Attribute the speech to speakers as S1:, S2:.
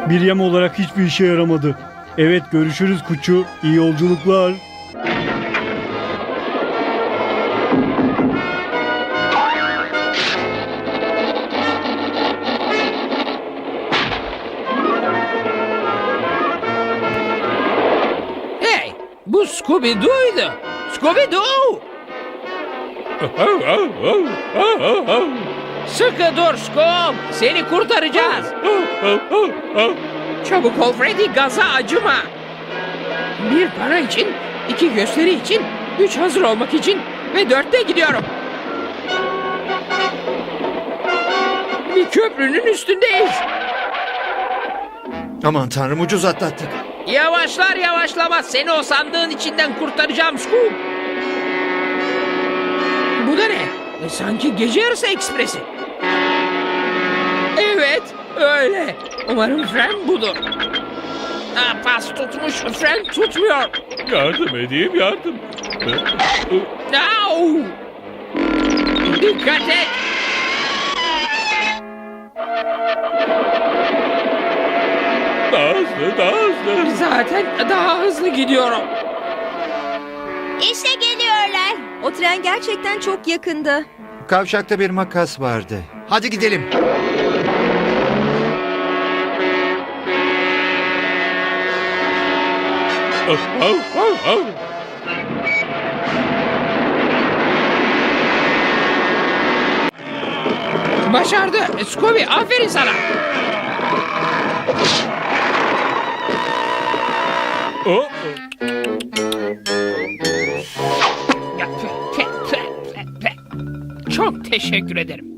S1: Bir yem olarak hiçbir işe yaramadı. Evet, görüşürüz Kuçu. İyi yolculuklar.
S2: Hey, bu Scooby-Doo'ydu. Scooby-Doo! Sıkı dur Scoob, seni kurtaracağız. Çabuk ol Freddy, gaza acıma. Bir para için, 2 gösteri için, 3 hazır olmak için ve 4'te gidiyorum. Bir köprünün üstündeyiz.
S3: Aman tanrım, ucuz atlattık.
S2: Yavaşlar yavaşlamaz seni o sandığın içinden kurtaracağım Scoob. Bu da ne? Sanki gece yarısı ekspresi. Evet, öyle. Umarım fren budur. Pas tutmuş, fren tutmuyor.
S4: Yardım edeyim, yardım.
S2: Au! Dikkat et.
S4: Daha hızlı, daha hızlı.
S2: Zaten daha hızlı gidiyorum.
S5: İşte geliyorlar. O tren gerçekten çok yakında.
S3: Kavşakta bir makas vardı. Hadi gidelim.
S2: Başardı. Scooby, aferin sana. Çok teşekkür ederim.